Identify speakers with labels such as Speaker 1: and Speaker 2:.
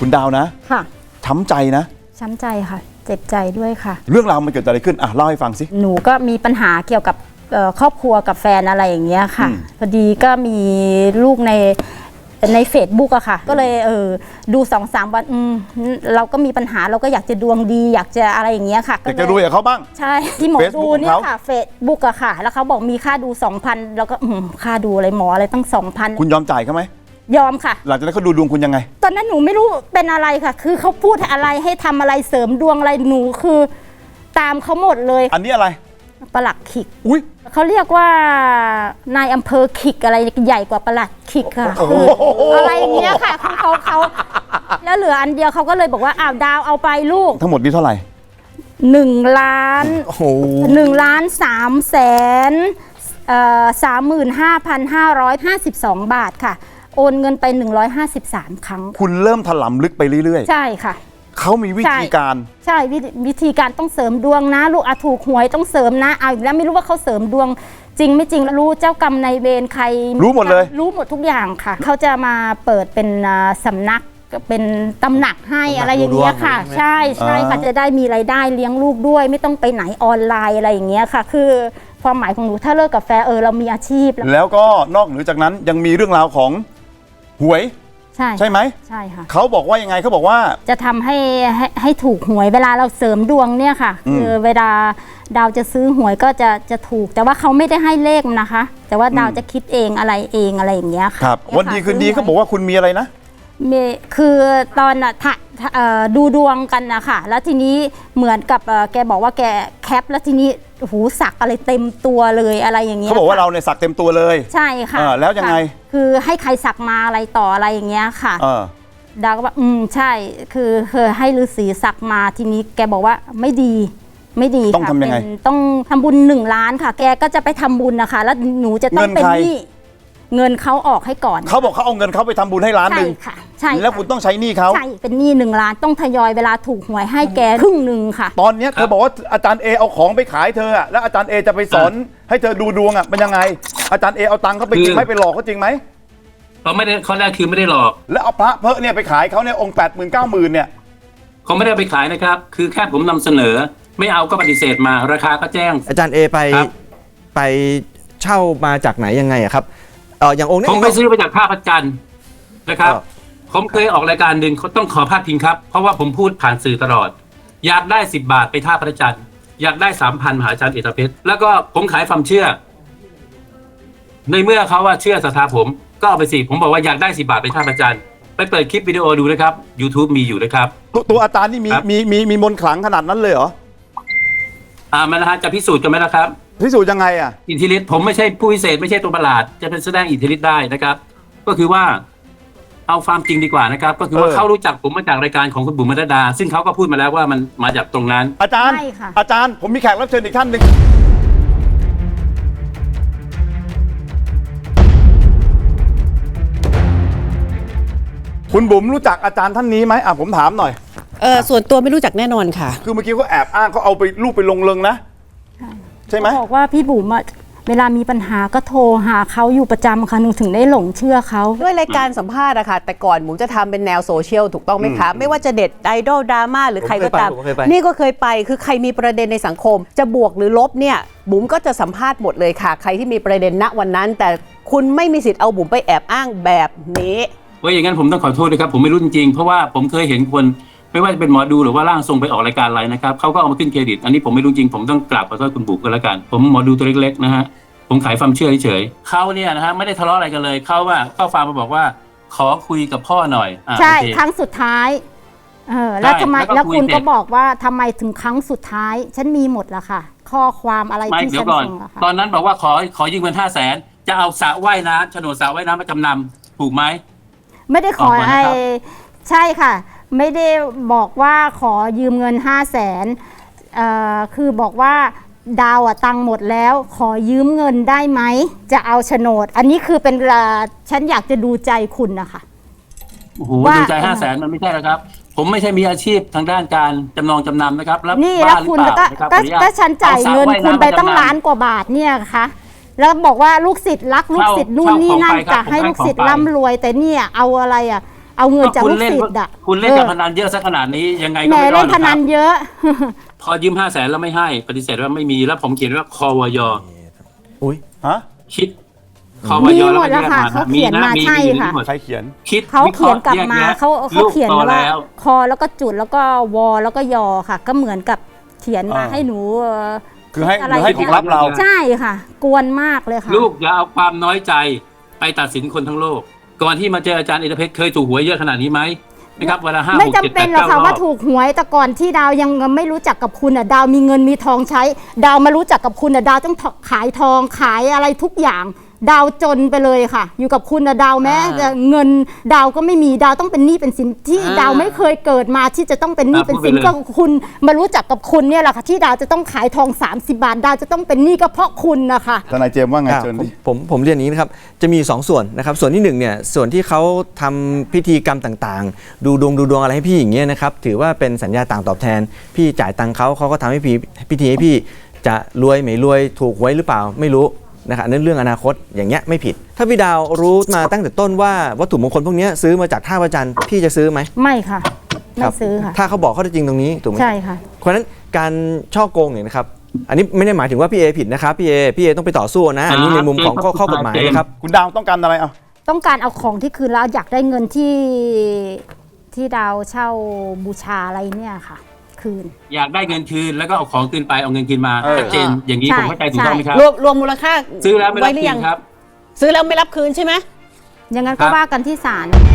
Speaker 1: คุณดาวนะ
Speaker 2: ค่ะ
Speaker 1: ช้ำใจนะ
Speaker 2: ช้ำใจค่ะเจ็บใจด้วยค่ะ
Speaker 1: เรื่องราวมันเกิดอะไรขึ้นเล่าให้ฟังสิ
Speaker 2: หนูก็มีปัญหาเกี่ยวกับครอบครัวกับแฟนอะไรอย่างเงี้ยค่ะพอดีก็มีลูกในFacebookอะค่ะก็เลยดู2-3 วันเราก็มีปัญหาเราก็อยากจะดวงดีอยากจะอะไรอย่างเงี้ยค่ะ
Speaker 1: อยากจะรวยกับเขาบ้าง
Speaker 2: ใช่ที่หมอดูเนี่ยค่ะ Facebook อะค่ะแล้วเขาบอกมีค่าดู 2,000 แล้วก็ค่าดูอะไรหมออะไรตั้ง 2,000
Speaker 1: คุณยอมจ่ายเขาไหม
Speaker 2: ยอมค่ะ
Speaker 1: หลังจากนั้นเขาดูดวงคุณยังไง
Speaker 2: ตอนนั้นหนูไม่รู้เป็นอะไรค่ะคือเขาพูดอะไรให้ทำอะไรเสริมดวงอะไรหนูคือตามเขาหมดเลย
Speaker 1: อันนี้อะไร
Speaker 2: ปลัดขิก
Speaker 1: อุ้ย
Speaker 2: เขาเรียกว่านายอำเภอขิกอะไรใหญ่กว่าปลัดขิกค่ะอะไรอย่างเงี้ยค่ะเขาแล้วเหลืออันเดียวเขาก็เลยบอกว่าดาวเอาไปลูก
Speaker 1: ทั้งหมดนี้เท่าไหร่
Speaker 2: 1,335,552 บาทค่ะโอนเงินไป153 ครั้ง
Speaker 1: คุณเริ่มถลำลึกไปเรื่อย
Speaker 2: ๆใช่ค่ะ
Speaker 1: เขามีวิธีการ
Speaker 2: ใช่วิธีการต้องเสริมดวงนะลูกถูกหวยต้องเสริมนะอีกแล้วไม่รู้ว่าเขาเสริมดวงจริงไม่จริงรู้เจ้ากรรมนายเวรใคร
Speaker 1: รู้หมดเลย
Speaker 2: รู้หมดทุกอย่างค่ะเขาจะมาเปิดเป็นสำนักเป็นตำหนักให้อะไรอย่างเงี้ยค่ะใช่ค่ะจะได้มีรายได้เลี้ยงลูกด้วยไม่ต้องไปไหนออนไลน์อะไรอย่างเงี้ยค่ะคือความหมายของหนูถ้าเลิกกับแฟนเรามีอาชีพ
Speaker 1: แล้วก็นอกเหนือจากนั้นยังมีเรื่องราวของหวยใช่ไหม
Speaker 2: ใช่ค่ะ
Speaker 1: เขาบอกว่ายังไงเขาบอกว่า
Speaker 2: จะทำให้ถูกหวยเวลาเราเสริมดวงเนี่ยค่ะคือเวลาดาวจะซื้อหวยก็จะถูกแต่ว่าเขาไม่ได้ให้เลขนะคะแต่ว่าดาวจะคิดเองอะไรอย่างเงี้ยค่ะ
Speaker 1: ครับวันดีคืนดีเขาบอกว่าคุณมีอะไรนะ
Speaker 2: คือตอนดูดวงกันนะคะแล้วทีนี้เหมือนกับแกบอกว่าแกแคปแล้วทีนี้หูสักอะไรเต็มตัวเลยอะไรอย่างเงี้ย
Speaker 1: เขาบอกว่าเราเนี่ยสักเต็มตัวเลย
Speaker 2: ใช่ค่ะ
Speaker 1: แล้วยังไง
Speaker 2: คือให้ใครสักมาอะไรต่ออะไรอย่างเงี้ยค่ะดาวก็ว่าใช่คือให้ฤาษีสักมาทีนี้แกบอกว่าไม่ดี
Speaker 1: ต้องทำยังไง
Speaker 2: ต้องทำบุญ1 ล้านค่ะแกก็จะไปทำบุญนะคะแล้วหนูจะต้องเป็นหนี้เงินเขาออกให้ก่อน
Speaker 1: เขาบอกเขาเอาเงินเขาไปทำบุญให้1 ล้าน
Speaker 2: ใช่ค่ะใช่
Speaker 1: แล้วคุณต้องใช้หนี้เขา
Speaker 2: ใช่เป็นหนี้1 ล้านต้องทยอยเวลาถูกหวยให้แกครึ่งหนึ่งค่ะ
Speaker 1: ตอนนี้เธอบอกว่าอาจารย์เอเอาของไปขายเธอแล้วอาจารย์เอจะไปสอนให้เธอดูดวงมันยังไงอาจารย์เอเอาตังค์เขาไปจริงไหมไปหลอกเขาจริงไหม
Speaker 3: เขาไม่ได้ข้อแรกคือไม่ได้หลอก
Speaker 1: แล้วเอาพระเพอะเนี่ยไปขายเขาเนี่ยองค์80,000 90,000เนี่ย
Speaker 3: เขาไม่ได้ไปขายนะครับคือแค่ผมนำเสนอไม่เอาก็ปฏิเสธมาราคาก็แจ้ง
Speaker 4: อาจารย์เอไปเช่ามาจากไหนยังไงครับอย่างองค์นี้
Speaker 3: ผมไปซื้อมาจากท่าพระจันทร์นะครับผมเคยออกรายการหนึ่งเขาต้องขอพาดพิงครับเพราะว่าผมพูดผ่านสื่อตลอดอยากได้10 บาทไปท่าพระจันทร์อยากได้ 3,000 มหาอาจารย์เอกเพชรแล้วก็ผมขายความเชื่อในเมื่อเขาว่าเชื่อศรัทธาผมก็เอาไปสิผมบอกว่าอยากได้10 บาทไปท่าพระจันทร์ไปเปิดคลิปวิดีโอดูนะครับ YouTube มีอยู่นะครับ
Speaker 1: ตัวอาจารย์นี่มีมนต์ขลังขนาดนั้นเลยเหรอ
Speaker 3: มันนะฮะจะพิสูจน์กันไหมล่ะครับ
Speaker 1: พิสูจน์ยังไง
Speaker 3: อิทธิฤทธิ์ผมไม่ใช่ผู้พิเศษไม่ใช่ตัวประหลาดจะเป็นแสดงอิทธิฤทธิ์ได้นะครับก็คือว่าเอาความจริงดีกว่านะครับก็คือว่าเขารู้จักผมมาจากรายการของคุณบุ๋มมนัสดาซึ่งเขาก็พูดมาแล้วว่ามันมาจากตรงนั้น
Speaker 1: อาจารย์ผมมีแขกรับเชิญอีกท่านหนึ่งคุณบุ๋มรู้จักอาจารย์ท่านนี้ไหมผมถามหน่อย
Speaker 5: ส่วนตัวไม่รู้จักแน่นอนค่ะ
Speaker 1: คือเมื่อกี้เขาแอบอ้างเขาเอาไปรูปไปลงเริงนะใช่ไหม
Speaker 2: บอกว่าพี่บุ๋มเวลามีปัญหาก็โทรหาเขาอยู่ประจำค่ะหนูถึงได้หลงเชื่อเขา
Speaker 5: ด้วยรายการสัมภาษณ์อะค่ะแต่ก่อนบุ๋มจะทำเป็นแนวโซเชียลถูกต้องไหมคะไม่ว่าจะเด็ดไอดอลดราม่าหรือใครก็ตามนี่ก็เคยไปคือใครมีประเด็นในสังคมจะบวกหรือลบเนี่ยบุ๋มก็จะสัมภาษณ์หมดเลยค่ะใครที่มีประเด็นณวันนั้นแต่คุณไม่มีสิทธิ์เอาบุ๋มไปแอบอ้างแบบนี้
Speaker 3: ว่าอย่างนั้นผมต้องขอโทษนะครับผมไม่รู้จริงๆเพราะว่าผมเคยเห็นคนไม่ว่าจะเป็นหมอดูหรือว่าร่างทรงไปออกรายการอะไรนะครับเขาก็เอามาขึ้นเครดิตอันนี้ผมไม่รู้จริงผมต้องกราบขอโทษคุณบุ๋มกันแล้วกันผมหมอดูตัวเล็กๆนะฮะผมขายความเชื่อเฉยๆเขาเนี่ยนะฮะไม่ได้ทะเลาะอะไรกันเลยเขาว่าเข้าฟาร์มมาบอกว่าขอคุยกับพ่อหน่อย
Speaker 2: ใช่ครั้งสุดท้ายแล้วทำไมแล้วคุณก็บอกว่าทำไมถึงครั้งสุดท้ายฉันมีหมดละค่ะข้อความอะไรที่ฉันส่ง
Speaker 3: ตอนนั้นบอกว่าขอยืมเงิน500,000จะเอาสระว่ายน้ำโฉนดสระว่ายน้ำมาจำนำถูกไหม
Speaker 2: ไม่ได้ขอใช่ค่ะไม่ได้บอกว่าขอยืมเงิน500,000คือบอกว่าดาวตังหมดแล้วขอยืมเงินได้ไหมจะเอาโฉนดอันนี้คือเป็นฉันอยากจะดูใจคุณนะคะ
Speaker 3: โอ้โหดูใจ500,000มันไม่ใช่นะครับผมไม่ใช่มีอาชีพทางด้านการจำนองจำนำนะครับ
Speaker 2: แล้วนี่แล้วคุณก็ฉันจ่ายเงินคุณไปตั้ง1 ล้านกว่าบาทเนี่ยค่ะแล้วบอกว่าลูกศิษย์รักลูกศิษย์นู่นนี่นั่นจะให้ลูกศิษย์ร่ำรวยแต่เนี่ยเอาอะไรเอาเงินจาก
Speaker 3: คุ
Speaker 2: ลู
Speaker 3: ณ
Speaker 2: ก
Speaker 3: เล่น
Speaker 2: ศิษย์อะ
Speaker 3: คุณเล่นการพนันเยอะซะขนาดนี้ยังไงก็
Speaker 2: แหม
Speaker 3: ไม่รอ
Speaker 2: เล่
Speaker 3: ด
Speaker 2: น
Speaker 3: หร
Speaker 2: พ
Speaker 3: อกค
Speaker 2: นั
Speaker 3: รับ
Speaker 2: นเยอะ
Speaker 3: พอยืม500,000แล้วไม่ให้ปฏิเสธว่าไม่มีแล้วผมเขียนว่าควอย
Speaker 4: อุ้ย
Speaker 1: ฮะ
Speaker 3: คิดควอย
Speaker 2: มีห
Speaker 3: แล้ว
Speaker 2: มด
Speaker 3: ก็
Speaker 2: แล้ว
Speaker 3: แยก
Speaker 2: ค่ะ
Speaker 3: มา
Speaker 2: เขาเขียนมา
Speaker 3: มี
Speaker 2: ใช่
Speaker 3: อยู่
Speaker 2: ค่ะ
Speaker 3: ทั้งหมด
Speaker 1: ใครเขียน
Speaker 3: คิด
Speaker 2: เขาเขียนกลับมา
Speaker 3: วิคระห์แยกแยะ
Speaker 2: เขา
Speaker 3: ลูก
Speaker 2: เขียน
Speaker 3: โต
Speaker 2: ว่า
Speaker 3: แล้ว
Speaker 2: คอแล้วก็จุดแล้วก็วอแล้วก็ยอค่ะ ก็เหมือนกับเขียนมา
Speaker 1: อ่า
Speaker 2: ให้หนู
Speaker 1: คือให้
Speaker 2: ะ
Speaker 1: ห
Speaker 2: ไร
Speaker 1: รือให้ของลับเรา
Speaker 2: ใช่ค่ะ กวนมากเลยค่ะ
Speaker 3: ลูกอย่าเอาความน้อยใจไปตัดสินคนทั้งโลก ก่อนที่มาเจออาจารย์เอกเพชรเคยถูกหวยเยอะขนาดนี้ไหมนะครับเวลา5
Speaker 2: ไม่
Speaker 3: 6
Speaker 2: จำ
Speaker 3: 7
Speaker 2: เป็น
Speaker 3: 8
Speaker 2: หรอก
Speaker 3: 9
Speaker 2: ค่ะ
Speaker 3: รอ
Speaker 2: ว่า
Speaker 3: บ
Speaker 2: ถูกหวยแต่ก่อนที่ดาวยังไม่รู้จักกับคุณอ่ะดาวมีเงินมีทองใช้ ดาวมารู้จักกับคุณอ่ะดาวต้องขายทองขายอะไรทุกอย่าง ดาวจนไปเลยค่ะ อยู่กับคุณอ่ะดาวแม้แต่เงินดาวก็ไม่มีดาวต้องเป็นหนี้เป็นสินที่ดาวไม่เคยเกิดมาที่จะต้องเป็นหนี้เป็นสินก็คุณมารู้จักกับคุณเนี่ยแหละค่ะที่ดาวจะต้องขายทอง30 บาทดาวจะต้องเป็นหนี้ก็เพราะคุณนะคะ
Speaker 1: ทนายเจมส์ว่าไง
Speaker 4: อ่ะ
Speaker 1: เชิญดิ
Speaker 4: ผมเรียนอย่างนี้นะครับ จะมี 2 ส่วนนะครับ ส่วนที่1เนี่ยส่วนที่เขาทำพิธีกรรมต่างๆ ดูดวงอะไรให้พี่อย่างเงี้ยนะครับถือว่าเป็นสัญญาต่างตอบแทน พี่จ่ายตังค์เขาก็ทำให้พิธีให้พี่จะรวยไม่รวยถูกหวยหรือเปล่าไม่รู้นะครับนั่นเรื่องอนาคตอย่างเงี้ยไม่ผิด ถ้าพี่ดาวรู้มาตั้งแต่ต้นว่าวัตถุมงคลพวกเนี้ยซื้อมาจากท่าพระจันทร์พี่จะซื้อไหม
Speaker 2: ไม่ค่ะ
Speaker 4: ค
Speaker 2: ไม่
Speaker 4: รับ
Speaker 2: ซื้อค่ะ
Speaker 4: ถ้าเขาบอกข้อเท็จจริงตรงนี้ถูกไหม
Speaker 2: ใช่ค่ะ
Speaker 4: เพราะฉะนั้นการช่อโกงเนี่ยนะครับอันนี้ไม่ได้หมายถึงว่าพี่เอผิดนะครับพี่เอต้องไปต่อสู้นะอันนี้ในมุมของข้อกฎหมายนะครับ
Speaker 1: คุณดาวต้องการอะไรอ่ะ
Speaker 2: ต้องการเอาของที่คืนแล้วอยากได้เงินที่ดาวเช่าบูชาอะไรเนี่ยค่ะ คืน
Speaker 3: อยากได้เงินคืนแล้วก็เอาของคืนไปเอาเงินคืนมา
Speaker 1: เออ
Speaker 3: ชัดเจนอย่างนี้
Speaker 2: ใช่
Speaker 3: ผมเข้าใจถูกต้องไหมครับ
Speaker 5: รวมมูลค่า
Speaker 3: ซื้อแล้วไม่รับ
Speaker 5: หรื
Speaker 3: คื
Speaker 5: ยั
Speaker 3: นครับ
Speaker 5: ซื้อแล้วไม่รับคืนใช่ไหม
Speaker 2: อย่างนั้น
Speaker 3: ครั
Speaker 2: ก็
Speaker 3: บ
Speaker 2: ว่ากันที่ศาล